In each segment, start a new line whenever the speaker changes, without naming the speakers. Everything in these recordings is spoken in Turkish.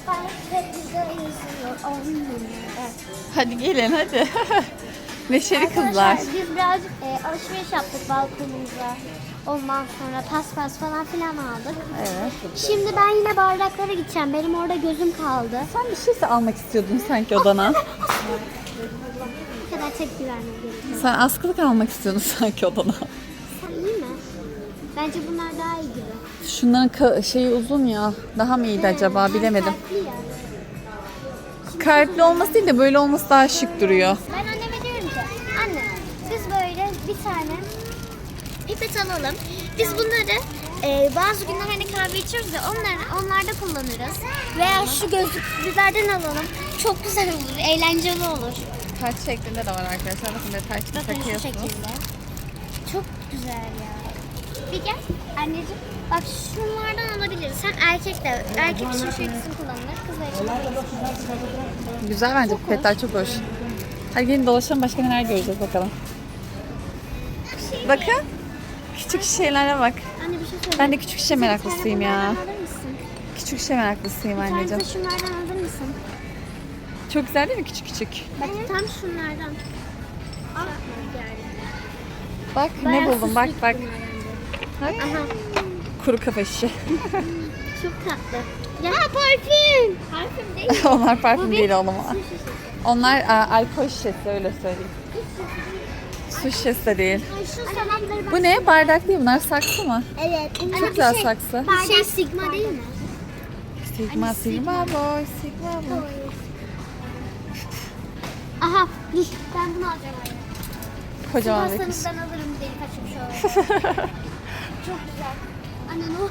Hep bize yazıyor. Evet.
Hadi gelin hadi. Neşeli kızlar.
Arkadaşlar biz birazcık alışveriş yaptık balkonumuza. Ondan sonra paspas falan filan aldık.
Evet.
Şimdi ben yine bardaklara gideceğim. Benim orada gözüm kaldı.
Sen bir şeyse almak istiyordun sanki odana.
Bu kadar tepki vermem gerekiyor.
Sen askılık almak istiyordun sanki odana.
Sen iyi mi? Bence bunlar daha iyi gibi.
Şunların şeyi uzun ya. Daha mı iyiydi acaba bilemedim.
Kalpli ya.
Kalpli olması değil de böyle olması daha şık duruyor.
Ben anneme diyorum ki, anne biz böyle bir tane pipet alalım. Biz bunları bazı günler hani kahve içiyoruz ya onlarda kullanırız. Veya şu gözlüklerden alalım. Çok güzel olur, eğlenceli olur.
Taç şeklinde de var arkadaşlar. Bakın böyle taç
Bakın şu
takıyorsunuz.
şekilde. Çok güzel ya. Bir gel anneciğim. Bak şunlardan alabiliriz. Hem erkek için şu ikisini kullanılır. Kızlar için.
Güzel bence pipetler çok hoş. Hadi gelin dolaşalım başka neler göreceğiz bakalım. Bakın. Küçük şeylere bak.
Anne bir şey söyle.
Ben de küçük şişe meraklısıyım ya.
Alır mısın?
Küçük şişe meraklısıyım
Bir tane
anneciğim.
de şunlardan alır mısın?
Çok güzel değil mi küçük küçük?
Bak tam şunlardan. Al.
Bak ne buldum bak bak. Bak.
Aha.
Kuru kafa şişe.
Çok tatlı. Ya parfüm. Parfüm değil.
Onlar parfüm
Bu bir
değil oğlum.
su şişesi.
Onlar alkol şişesi öyle söyleyeyim. Su şişesi de değil.
Ay, şu salamları bak.
Bu ne? Bardak değil bunlar saksı mı?
Evet.
Çok güzel saksı.
Şey sigma değil mi?
Sigma sigma boy sigma boy.
Aha. Dur. Ben bunu alacağım.
Kocaman bir kız.
Pastanızdan alırım delik açıp şöyle. Çok güzel. Anne ne olur.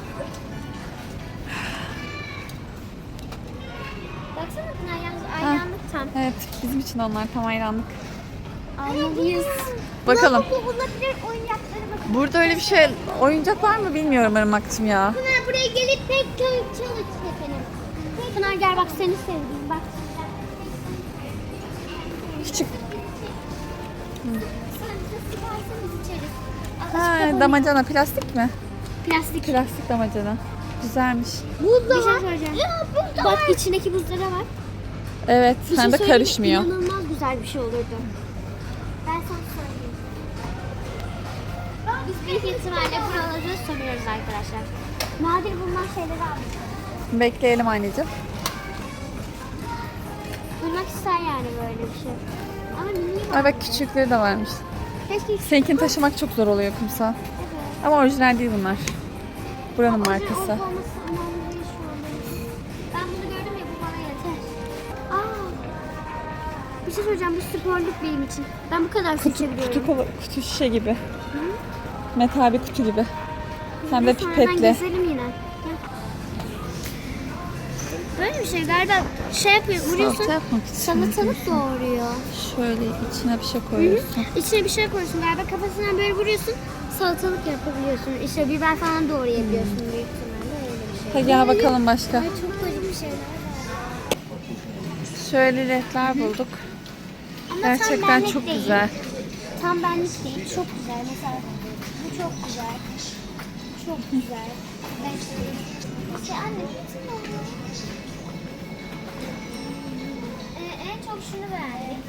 Baksana Pınar yalnız ayranlık tam.
Evet bizim için onlar tam hayranlık.
Almalıyız.
Bakalım.
Bu olabilir oyuncakları bakın.
Burada öyle bir şey oyuncak var mı bilmiyorum Irmak'cığım ya.
Pınar buraya gelip pek çalış efendim. Pınar gel bak seni sevdim bak.
Küçük.
Sen bize sıkarsanız içeriz.
Ha, damacana plastik mi?
Plastik.
Plastik damacana. Güzelmiş.
Buz da var. Ya buz da bak içindeki buzlara bak.
Evet
Bir
hem
şey
de
söyleyeyim mi?
karışmıyor.
İnanılmaz güzel bir şey olurdu. Ben sana söyleyeyim. Biz büyük ihtimalle buraları soruyoruz arkadaşlar. Nadir bulunan şeyleri aldık.
Bekleyelim anneciğim.
Duymak ister yani böyle bir şey. Ama mini
Ay bak küçükleri de varmış.
keşke
Seninkini taşımak çok zor oluyor kumsal. Ama orijinal değil bunlar. Buranın markası.
olması önemli değil şu anda. Ben bunu gördüm ya bu bana yeter. Bir şey söyleyeceğim bu sporluk benim için. Ben bu kadar seçebiliyorum.
Kutu şişe gibi. Metal bir kutu gibi. Hem de
Biz sonradan
pipetli.
gezelim yine. Gel. Böyle bir şey galiba şey yapıyor vuruyorsun.
Salata yapmak için.
Salatalık doğuruyor.
Şöyle içine bir şey koyuyorsun.
İçine bir şey koyuyorsun galiba kafasından böyle vuruyorsun. Salatalık yapabiliyorsun. İşte biber falan doğrayabiliyorsun büyük ihtimalle öyle bir şey.
Hadi gel bakalım başka.
Ay çok garip bir şeyler var.
Şöyle ledler bulduk.
Ama tam
Gerçekten
benlik
çok
değil.
güzel.
Tam benlik değil. Çok güzel. Mesela bu çok güzel. Çok güzel. Ben şey anne bütün oluyor. En çok şunu beğendim.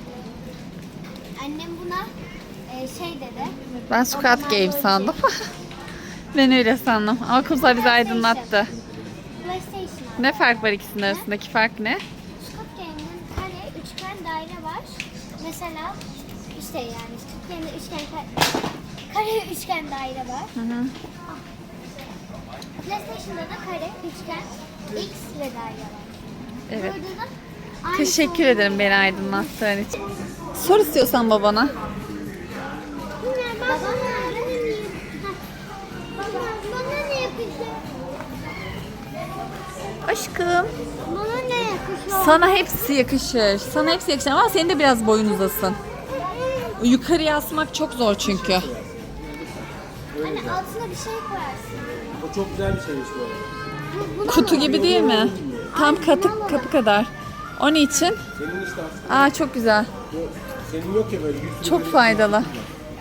Annem buna şey dedi.
Ben Squid Game sandım. Ben öyle sandım. Ama kumsal bizi aydınlattı.
PlayStation.
Ne fark var ikisinin arasındaki fark ne?
Squid Game'in kare, üçgen, daire var. Mesela işte yani Squid Game'de üçgen, kare, üçgen, daire var.
Hı hı.
PlayStation'da da kare, üçgen, X ve daire var.
Evet.
Burada da aynı
Teşekkür
şey.
ederim beni aydınlattığın için. Sor istiyorsan babana.
Babam nerede? Bana ne yapacak?
Aşkım.
Bana ne yakışıyor?
Sana hepsi yakışır. Sana hepsi yakışır ama senin de biraz boyun uzasın. Yukarıya asmak çok zor çünkü.
Hani altına bir şey koyarsın.
O çok güzel bir şeymiş bu arada.
Buna
Kutu
mı?
gibi değil mi? Tam kapı kadar. Onun için.
Senin işte aslında
Aa çok güzel.
senin yok ya böyle bir sürü
Çok
böyle-
faydalı.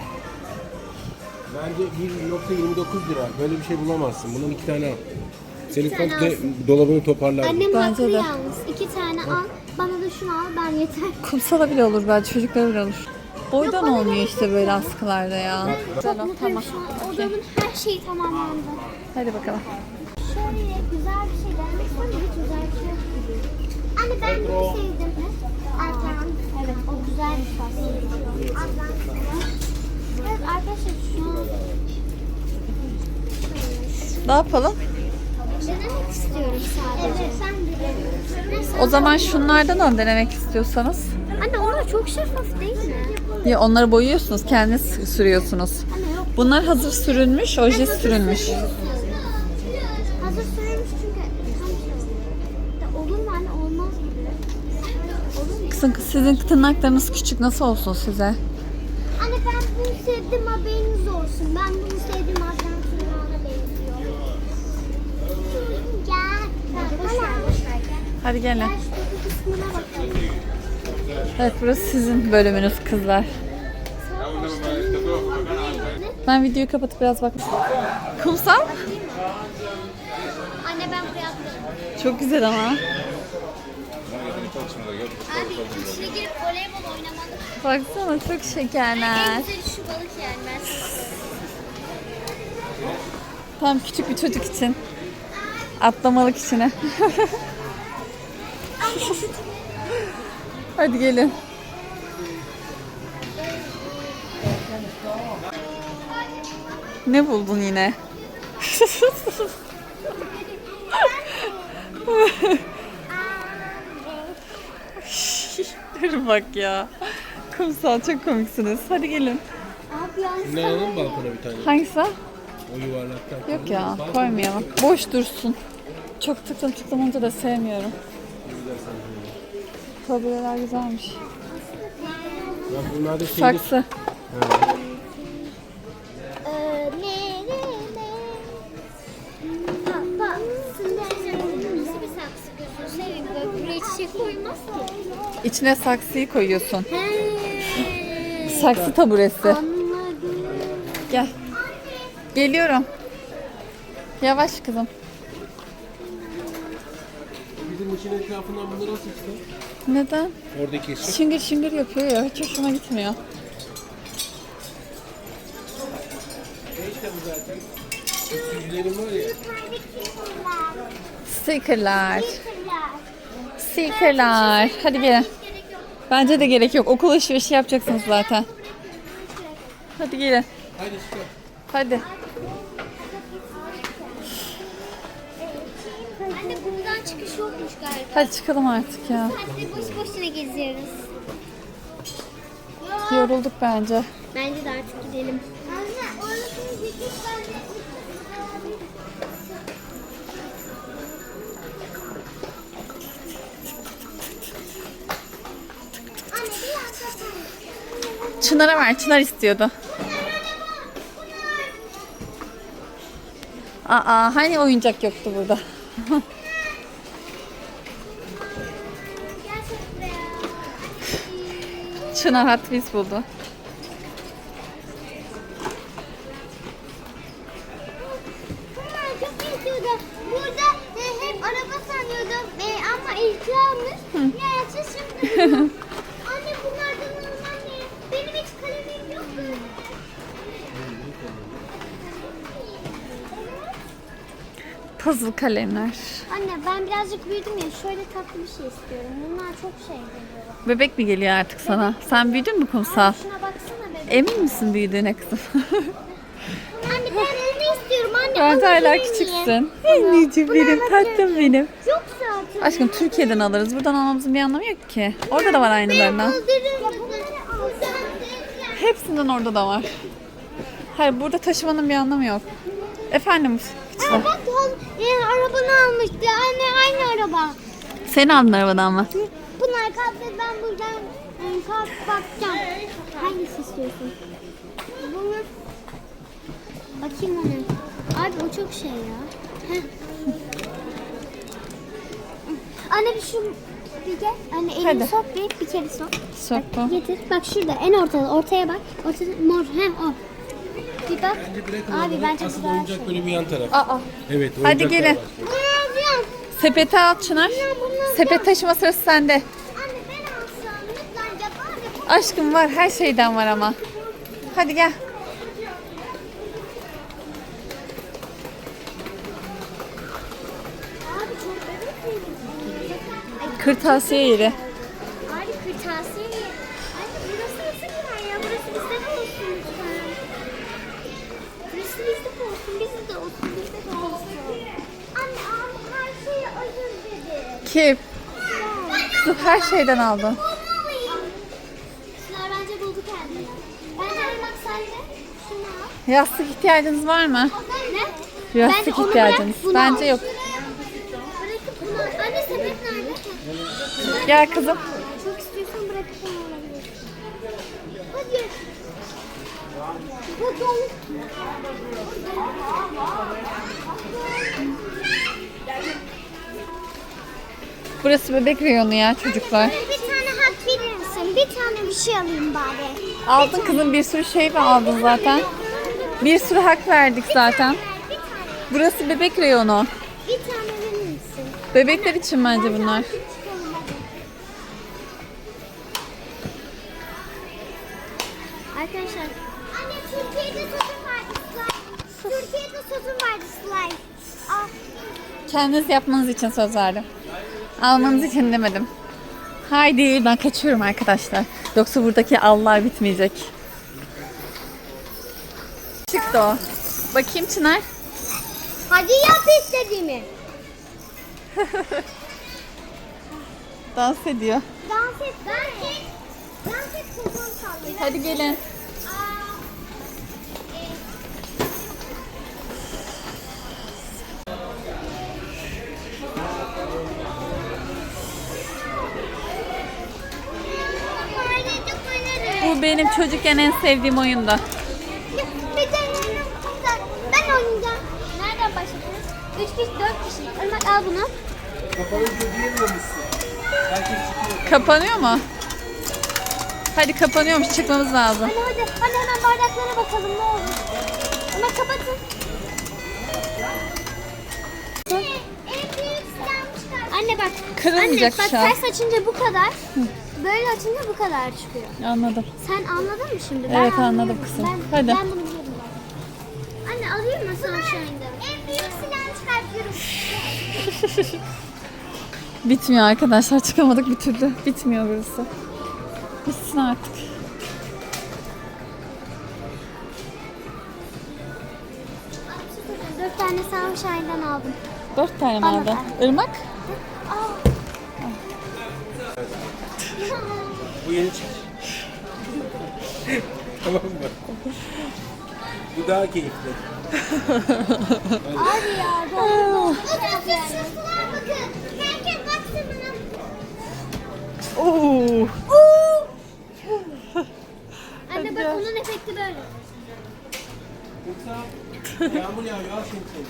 Bence 1.29 lira. Böyle bir şey bulamazsın. Bunun 2 tane al. Senin
tane
komple
alsın.
dolabını toparlar.
Annem
Bence
haklı
de.
yalnız. 2 tane al. Bana da şunu al. Ben yeter.
Kumsala bile olur belki, çocuklara bile olur. Boydan
bana
olmuyor
gerek
işte böyle askılarda ya.
Çok
Tamam,
mutluyum
tamam.
şu an. Odamın her şeyi tamamlandı.
Hadi bakalım.
Şöyle güzel bir şey denemek istiyorum. Hiç güzel bir şey yok gibi. Anne ben bunu sevdim. Erkan. Evet o güzel bir şey. Evet arkadaşlar şu an
Ne yapalım?
denemek istiyorum sadece. Evet sen de.
O zaman şunlardan al denemek istiyorsanız.
Anne onlar çok şeffaf değil mi?
Ya onları boyuyorsunuz, kendiniz sürüyorsunuz.
Anne yok.
Bunlar hazır sürülmüş, oje sürülmüş.
Hazır sürülmüş çünkü tam şey olur mu anne olmaz gibi. Olur mu?
Kızım, sizin tırnaklarınız küçük, nasıl olsun size?
Anne ben bunu sevdim haberiniz olsun. Ben bunu sevdim Adnan tırnağına benziyor. Gel. Boş ver boş ver gel.
Hadi gelin.
Gel şu kısmına bakalım.
Evet, burası sizin bölümünüz kızlar. Ben videoyu kapatıp biraz bak. Kumsal?
Anne ben buraya atlarım.
Çok güzel ama.
Abi içine girip voleybol oynamalı.
Baksana çok şekerler.
En güzeli şu balık yani ben size
Tam küçük bir çocuk için. Atlamalık içine. Hadi gelin. Ne buldun yine? Dur bak ya. Kumsal çok komiksiniz. Hadi gelin.
Abi yalnız
Ne alalım balkona bir tane?
Hangisi?
O yuvarlaktan.
Yok ya, koymayalım. Boş dursun. Çok tıklım olunca da sevmiyorum. Tablolar güzelmiş.
Ya bunlar da şeyli.
Saksı.
Nasıl bir saksı gözünü seveyim böyle buraya çiçek koymaz ki.
İçine saksıyı koyuyorsun.
He.
Saksı taburesi.
Anladım.
Gel. Geliyorum. Yavaş kızım.
Bizim için etrafından bunları nasıl çıktı?
Neden?
Oradaki ışık.
Şıngır şıngır yapıyor ya. Hiç hoşuma gitmiyor.
Ne işte bu zaten? Süzülerim var ya.
Stickerlar. Stickerlar. Hadi gelin. Bence de gerek yok. Okul alışverişi yapacaksınız zaten. Hadi gelin.
Hadi çıkar.
Hadi.
Anne buradan çıkış yokmuş galiba.
Hadi çıkalım artık ya.
Hadi boş boşuna geziyoruz.
Yorulduk bence.
Bence de artık gidelim. Anne orasını gidip ben de... Anne biraz da
Çınar'a ver. Çınar istiyordu. Aa, hani oyuncak yoktu burada.
Gerçek buraya.
Çınar Hot Wheels buldu.
Bunlar çok istiyordum. Burada hep araba sanıyordum. Ama ilk almış. Neyse şimdi. Anne bunlardan normal ne? Benim hiç kalemim yok.
Puzzle kalemler.
Anne ben birazcık büyüdüm ya. Şöyle tatlı bir şey istiyorum. Bunlar çok şey geliyor.
Bebek mi geliyor artık sana? Sen büyüdün mü Kumsal?
Şuna baksana bebeğim.
Emin misin büyüdüğüne kızım?
Anne ben onu istiyorum anne.
Bence hala
alabilir miyim?
küçüksün. Anneciğim benim, tatlım benim.
Yok zaten.
Aşkım Türkiye'den alırız. Buradan almamızın bir anlamı yok ki. Orada da var aynılarından. Hepsinden orada da var. Hayır, burada taşımanın bir anlamı yok. Efendim küçükler.
Bak arabanı almıştı. Anne aynı araba.
Sen aldın arabadan mı?
Bunlar kalktı ben buradan kalkıp bakacağım. Hangisi istiyorsun? Bunu. Bakayım ona. Abi o çok şey ya. Heh. Anne bir şu bir gel. Anne elini
Hadi.
sok bir kere sok.
Sokma.
Getir. Bak şurada en ortada. Ortaya bak. Ortada mor. O. Bir bak.
Bence bırakın
Abi
onları.
bence
Asıl
güzel
oyuncak
şey.
böyle bir yan taraf.
Aa.
Evet.
Hadi
oyuncaklar
gelin.
var.
Sepete al Çınar. Sepet taşıma sırası sende.
Anne ben alsam lütfen yapar.
Aşkım var, her şeyden var ama. Hadi gel.
Abi çok bebek miyim?
Kırtasiye yeri.
Abi kırtasiye mi? Anne burası nasıl bir yer ya? Burası bizde de olsun lütfen. Burası bizde de olsun, bizde de olsun, bizde de olsun. Anne abi her şeyi özür dedi.
Kim? Kızım her şeyden aldın.
Şunlar bence buldu kendini. Bence bak sen de şunu al.
Yastık ihtiyacınız var mı?
Ne?
Yastık
Bence onu
ihtiyacınız.
bırak, bunu
Bence
al.
yok.
Bırakıp bunu al. Anne sepet nerede?
Gel kızım.
Çok istiyorsan bırakıp onu alabilirsin. Hadi. Hadi oğlum.
Burası bebek reyonu ya çocuklar.
Bir tane hak verir misin? Bir tane bir şey alayım bari.
Aldın kızım, bir sürü şey mi aldın zaten? Bir sürü hak verdik zaten.
Bir tane.
Burası bebek reyonu.
Bir tane verir misin?
Bebekler için bence bunlar.
Çıkalım hadi. Arkadaşlar. Anne Türkiye'de sözüm vardı slime. Türkiye'de sözüm vardı slime. Al.
Kendiniz yapmanız için söz verdim. Almanız için demedim. Haydi ben kaçıyorum arkadaşlar. Yoksa buradaki allar bitmeyecek. Çıktı o. Bakayım Çınar.
Hadi yap istediğimi.
Dans ediyor.
Dans et. Dans et. Dans et kızım sallıyor.
Hadi gelin. Bu benim çocukken en sevdiğim oyundu.
Bir de ben oynayacağım. Nereden başladınız? 3 kişi, 4 kişi. Irmak al bunu.
Kapanınca diyemiyormuşsun. Herkes çıkıyor.
Kapanıyor mu? Hadi kapanıyormuş, çıkmamız lazım.
Hadi hemen bardaklara bakalım ne olur. Ama kapatın. Anne bak.
Kırılmayacak
Anne bak
şu an.
ters açınca bu kadar. Böyle açınca bu kadar çıkıyor.
Anladım.
Sen anladın mı şimdi?
Evet, anladım
anlıyorum.
kızım.
Ben,
Hadi.
Ben bunu biliyorum ben. Anne alayım mı sana şu anda? En büyük silahını çıkartıyorum.
Bitmiyor arkadaşlar, çıkamadık bir türlü. Bitmiyor burası. Bitsin artık.
Dört tane Sunshine'dan aldım.
4 tane mi
Bana
aldın?
ver.
Irmak?
Bu yeni çık. Tamam mı? Bu daha keyifli.
Abi ya. Bakın. Herkes baksın bana.
Oo.
Anne bak onun efekti böyle.
Yoksa yağmur yağıyor. Al şimdi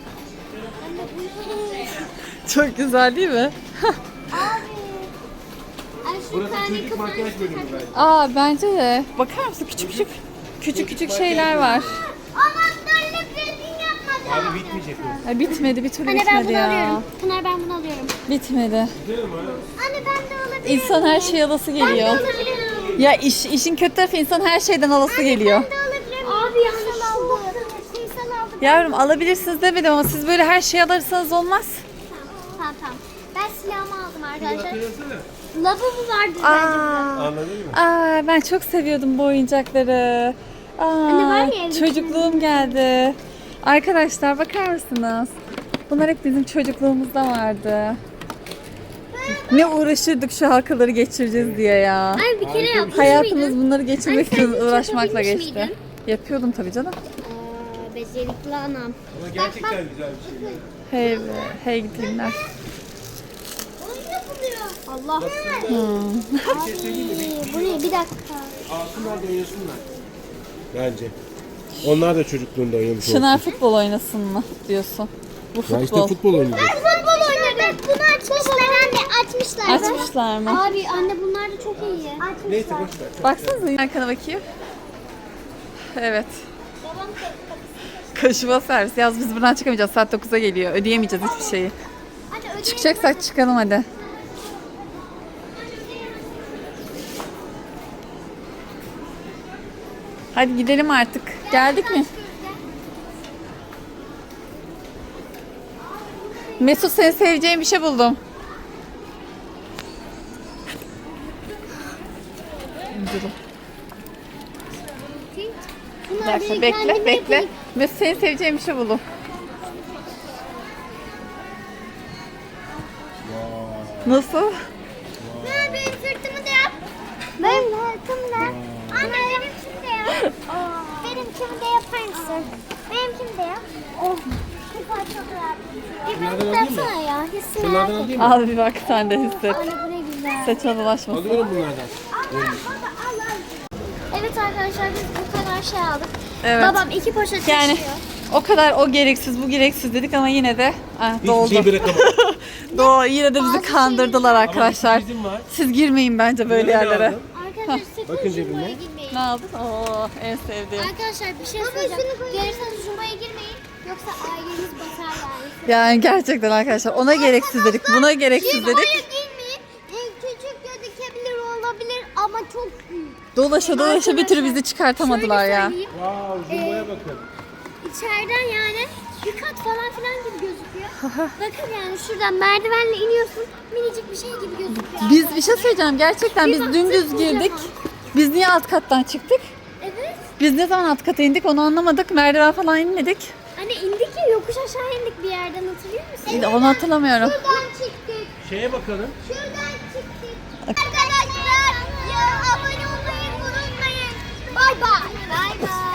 seni.
Çok güzel değil mi?
Abi. Ay şu
Burası
tane
çocuk
kafanı
makyaj bölümü
çıkartın.
bence.
Aa bence de. Bakar mısın, küçük şeyler var.
Anahtarlık resim yapmadı.
Abi bitmeyecek o.
Ay, bitmedi, bir türlü
Anne ben
bitmedi
bunu
ya.
alıyorum. Pınar ben bunu alıyorum.
Bitmedi.
Gidelim mi?
Anne ben de alabilirim.
İnsan her şey alası
Ben de
geliyor.
alabilirim.
Ya işin kötü tarafı, insan her şeyden alası geliyor.
Ben de alabilirim. Abi yanlış aldı. Kumsal aldı.
Yavrum alabilirsiniz demedim ama siz böyle her şeyi alırsanız olmaz.
Tamam. Ben silahımı aldım arkadaşlar.
Hatırlasana.
Lavabo vardı bence.
Anladın mı?
Ben çok seviyordum bu oyuncakları.
Anne var ya evde
Çocukluğum geldi. Arkadaşlar bakar mısınız? Bunlar hep bizim çocukluğumuzda vardı. Ne uğraşırdık şu halkaları geçireceğiz diye ya.
Anne bir kere yapmış
Hayatımız
mıydın?
bunları geçirmek
Anne, sen
için
hiç
uğraşmakla
yapabilmiş
geçti.
miydin?
Yapıyordum tabii canım.
Becerikli anam.
Ama gerçekten güzel bir şey.
Hey, hey gidinler.
Oyun yapılıyor. Allah.
Bir şey söyleyeyim mi?
Bu ne? Bir dakika.
Alsınlar da oynasınlar. Bence. Onlar da çocukluğunda oynamış olsun.
Çınar futbol oynasın mı diyorsun? Bu
Ya işte
futbol.
futbol oynayacak.
Ben futbol oynadım. Bunu açmışlar anne. Açmışlar.
Açmışlar mı?
Abi anne bunlar da çok iyi. Açmışlar.
Neyse boş ver.
Baksanıza arkana bakayım. Evet.
Babam
Kaşıma servis. Yaz biz buradan çıkamayacağız. Saat 9'a geliyor. Ödeyemeyeceğiz hiçbir şeyi.
Anne
Çıkacaksak çıkalım hadi. Hadi gidelim artık. Geldik mi? Mesut, senin seveceğin bir şey buldum. Bir dakika, bekle bekle. Mesut, senin seveceğin bir şey buldum. Nasıl?
Benim sırtımı da yap. Benim sırtımı da yap. Anne benimkini de yap. Benimkini de yapar mısın? Benimkini de yap. Oh. Süper, çok rahat. Bir
Bunlardan
ben
alayım mı?
yapsana ya. Hissi merak
Bunlardan
ettim.
alayım mı?
Al bir bak, sen de hisset.
Anne bu ne güzel.
Saçına dolaşmasın.
Alıyorum bunlardan.
Evet arkadaşlar, biz bu kadar şey aldık.
Evet.
Babam 2 poşet
Yani
taşıyor.
o kadar o gereksiz bu gereksiz dedik ama yine de
Hiçbir
doldu.
şey bırakamadım.
Yine de bizi
Bazı
kandırdılar arkadaşlar.
Ama bir sürprizim var.
Siz girmeyin bence böyle
Bunları ne
yerlere.
aldın?
Arkadaşlar sakın
Bakın
Jumbo'ya
cebime.
girmeyin.
Ne aldın? Oo, en sevdiğim.
Arkadaşlar bir şey söyleyeceğim. Gelirseniz Jumbo'ya girmeyin. Yoksa aileniz batar yani.
Yani gerçekten arkadaşlar ona gereksiz dedik, buna gereksiz
Jumbo'ya
dedik.
girmeyin. Küçük gözükebilir olabilir ama çok büyük.
Dolaşa dolaşa bir türlü bizi çıkartamadılar
Şöyle
ya.
söyleyeyim,
Wow, Jumbo'ya bakın.
İçeriden yani bir kat falan filan gibi gözüküyor. Bakın yani şuradan merdivenle iniyorsun. Minicik bir şey gibi gözüküyor.
Biz bir şey söyleyeceğim, gerçekten
Bir
biz
baktık,
dümdüz girdik.
kocaman.
Biz niye alt kattan çıktık?
Evet.
Biz ne zaman alt kata indik onu anlamadık. Merdiven falan inmedik.
Hani indik ya, yokuş aşağı indik bir yerden, hatırlıyor musun?
Onu hatırlamıyorum.
Şuradan çıktık.
Şeye bakalım.
Şuradan çıktık. Arkadaşlar ya abone olmayı unutmayın. Bay bay. Bay bay.